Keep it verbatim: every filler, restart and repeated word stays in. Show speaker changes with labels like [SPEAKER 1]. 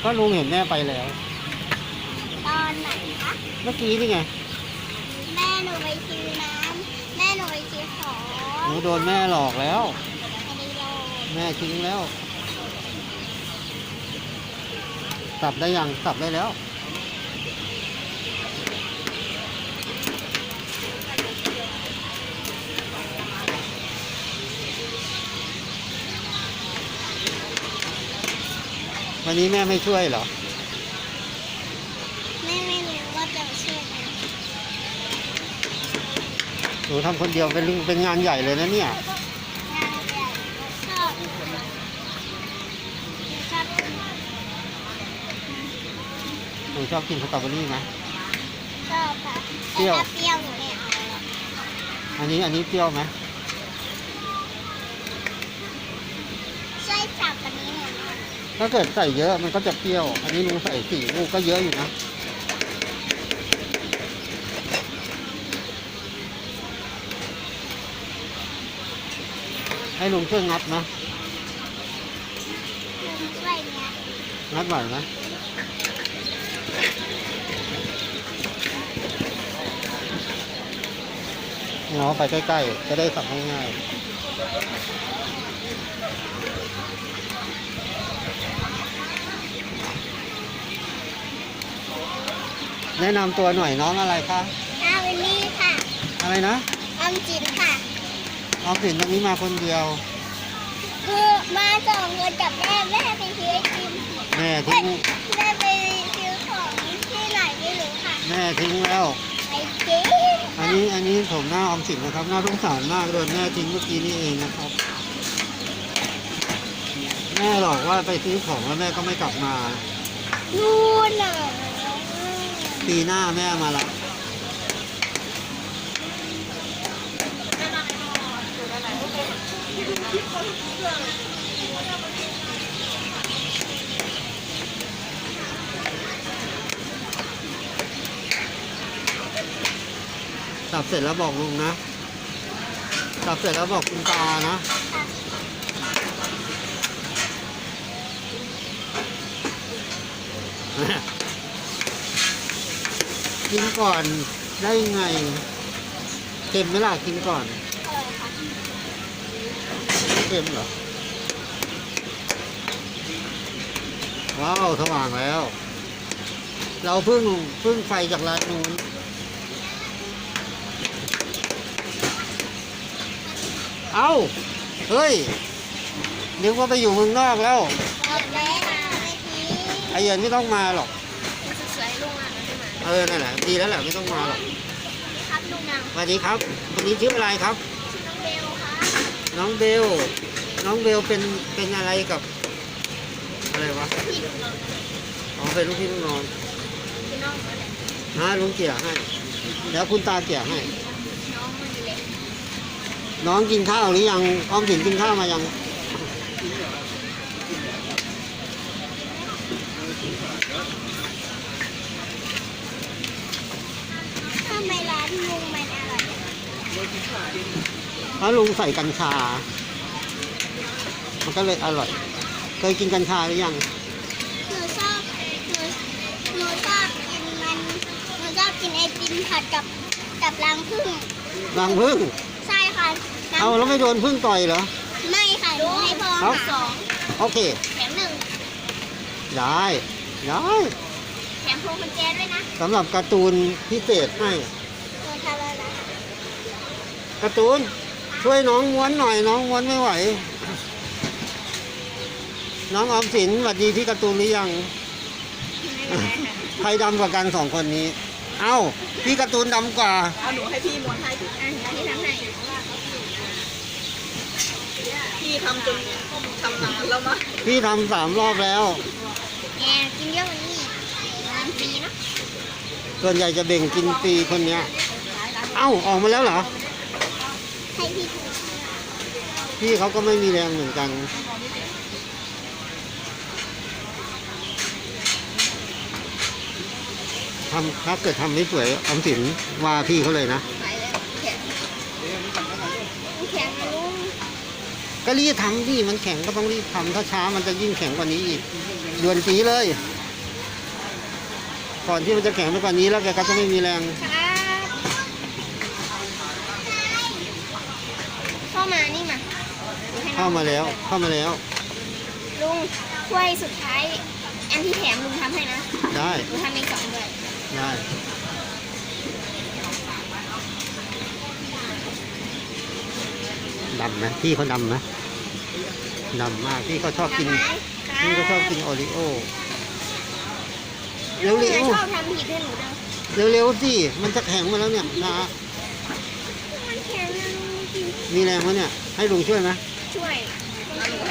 [SPEAKER 1] ก็ลุงเห็นแม่ไปแล้ว
[SPEAKER 2] ตอนไหนคะ
[SPEAKER 1] เมื่อกี้นี่ไง
[SPEAKER 2] แม่หนูไปซื้อน้ำแม่หนูไปซื้อของ
[SPEAKER 1] หนูโดนแม่หลอกแล้ว
[SPEAKER 2] ไม่ได้โลด
[SPEAKER 1] แม่ทิ้งแล้วสับได้ยังสับได้แล้ววันนี้แม่ไม่ช่วยเหรอ
[SPEAKER 2] แม่ไม่รู้ว่าจะช่วยไหม
[SPEAKER 1] หนูทำคนเดียวเป็นเป็นงานใหญ่เลยนะเนี่ย
[SPEAKER 2] งานใหญ่ชอบชอบกิน
[SPEAKER 1] หนูชอบกินสตรอเบอรี่ไหม
[SPEAKER 2] ชอบค่ะ
[SPEAKER 1] เปรี้ยว
[SPEAKER 2] แต่ถ้าเปรี้ยวหนูไม่เอาหรอก
[SPEAKER 1] อันนี้อันนี้เปรี้ยวไหม
[SPEAKER 2] ช่วยจับอันนี้หน่อยนะ
[SPEAKER 1] ถ้าเกิดใส่เยอะมันก็จะเปรี้ยว อันนี้ลุงใส่สี่ลูกก็เยอะอยู่นะ ให้ลุงช่วยงัดนะ
[SPEAKER 2] ลุงช่วยเนี้ย
[SPEAKER 1] งัดไหวไหมเนาะไปใกล้ๆจะได้สับง่ายๆแนะนำตัวหน่อยน้องอะไรคะ
[SPEAKER 2] อาวินนี่ค่ะ
[SPEAKER 1] อะไรนะ
[SPEAKER 2] ออมจินค่ะ
[SPEAKER 1] ออมสินตรงนี้มาคนเดียว
[SPEAKER 2] คือมาส่งเงินกับแม่แม่ไปซื้อไอติม
[SPEAKER 1] แม่
[SPEAKER 2] เอ้
[SPEAKER 1] ทิ้
[SPEAKER 2] ย
[SPEAKER 1] ง
[SPEAKER 2] แม่ไปซื้อของที่ไหนไม่รู้ค่ะ
[SPEAKER 1] แม่ทิ้งแล้ว
[SPEAKER 2] ไปกิน
[SPEAKER 1] อันนี้อันนี้ผมหน้าออมสินนะครับหน้าสงสารมากโดนแม่ทิ้งเมื่อกี้นี่เองนะครับ แม่หลอกว่าไปซื้อของแล้วแม่ก็ไม่กลับมา
[SPEAKER 2] นู่นน่ะ
[SPEAKER 1] ปีหน้าแม่มาละสับเสร็จแล้วบอกลุงนะสับเสร็จแล้วบอกคุณตานะ กินก่อนได้ไงเค็มไหมล่ะกินก่อน
[SPEAKER 2] เออค่ะ
[SPEAKER 1] ไม่เค็มเหรอว้าวสว่างแล้ว เราเพิ่งเพิ่งไฟจากร้านนู้นเอ้าเฮ้ยนึกว่าไปอยู่เมืองนอกแล้ว
[SPEAKER 2] หมดแล้วไม่ที
[SPEAKER 1] ไอ้เย็นไม่ต้องมาหรอก
[SPEAKER 2] สวยๆลุงอ่ะไม่มา
[SPEAKER 1] เออนั่นแหละดีแล้วแหละไม่ต้องมาหรอก
[SPEAKER 2] ครับลุงนาง
[SPEAKER 1] สวัสดีครับคนนี้ชื่ออะไรครับ
[SPEAKER 2] ชื่อน้องเบลค่ะ
[SPEAKER 1] น้องเบล น้องเบลเป็นเป็นอะไรกับอะไรวะ
[SPEAKER 2] พี่ลุงน้อง
[SPEAKER 1] อ๋อเป็นลูกพี่ลูกน้อง
[SPEAKER 2] คือน้องอะไร
[SPEAKER 1] ฮะลุงเกี่ยให้เดี๋ยวคุณตาเกี่ยให้
[SPEAKER 2] น้องมันเล็ก
[SPEAKER 1] น้องกินข้าวหรือยังออมสินกินข้าวมายัง
[SPEAKER 2] ทำไมร้านลุงมันอร่อย
[SPEAKER 1] เพราะลุงใส่กัญชา มันก็เลยอร่อย เคยกินกัญชาหรือยัง
[SPEAKER 2] หนูชอบหนูหนูชอบกินมันหนูชอบกินไอติมผัดกับกับรังผึ้ง
[SPEAKER 1] รังพึ่ง
[SPEAKER 2] ใช่ค่ะน้ำ
[SPEAKER 1] เอาแล้วไม่โดนพึ่งต่อยเหรอ
[SPEAKER 2] ไม่ค่ะหนูให้พ่อ
[SPEAKER 1] ครับ
[SPEAKER 2] ค่ะสอง
[SPEAKER 1] โอเค
[SPEAKER 2] แถมหนึ่ง
[SPEAKER 1] ได้ได้
[SPEAKER 2] แถมพวงกุญแจด้วยนะ
[SPEAKER 1] สำหรับการ์ตูนพิเศษให้
[SPEAKER 2] หนูทำแล้วนะ
[SPEAKER 1] การ์ตูนช่วยน้องม้วนหน่อยน้องม้วนไม่ไหว น้องออมสินสวัสดีพี่การ์ตูนหรือยัง ใครดำกว่ากันสองคนนี้ เอ้าพี่การ์ตูนดำกว่า
[SPEAKER 3] เอาหนูให้พี่ม้วนให้ดิ
[SPEAKER 2] อ่ะอันนี้ทำให้
[SPEAKER 3] พี่ทำจนทำนานแล้วมั้ง
[SPEAKER 1] พี่ทำสามรอบแล้ว
[SPEAKER 2] แกกินเยอะกว่านี้น้ำฟรีนะ
[SPEAKER 1] ส่วนใหญ่จะเบ่งกินฟรีคนเนี้ย เอ้าออกมาแล้วเหรอ
[SPEAKER 2] ให้พี่
[SPEAKER 1] พี่เขาก็ไม่มีแรงเหมือนกัน ทำถ้าเกิดทำไม่สวยออมสินว่าพี่เขาเลยนะ
[SPEAKER 2] ไปเลยแข็งแข็งนะลุง
[SPEAKER 1] ก็รีบทำดิมันแข็งก็ต้องรีบทำถ้าช้ามันจะยิ่งแข็งกว่านี้อีกด่วนจีเลย
[SPEAKER 2] ไ
[SPEAKER 1] ก่อนที่มันจะแข็งไปกว่านี้แล้วแกก็จะไม่มีแรง
[SPEAKER 2] ครับเข้ามานี่มาดูให้น้อง
[SPEAKER 1] เข้ามาแล้วเข้ามาแล้ว
[SPEAKER 2] ลุงถ้วยสุดท้าย อันที่แถมลุงทำให้นะ
[SPEAKER 1] ได้
[SPEAKER 2] ลุงทำอีกสองด้วย
[SPEAKER 1] ได้ดำไหมพี่เขาดำไหมดำมากพี่เขาชอบกิน
[SPEAKER 2] ทำไหม
[SPEAKER 1] พี่เขาชอบกินโอริโอ
[SPEAKER 2] ลุง
[SPEAKER 1] เร็วๆ
[SPEAKER 2] อะชอบทำผิดให้หนูเด้อ
[SPEAKER 1] เร็วๆสิมันจะแข็งมาแล้วเนี่ยนะ
[SPEAKER 2] มันแข็งนะลุงกิน
[SPEAKER 1] มีแรงไหมเนี่ยให้ลุงช่วยไหม
[SPEAKER 2] ช่วย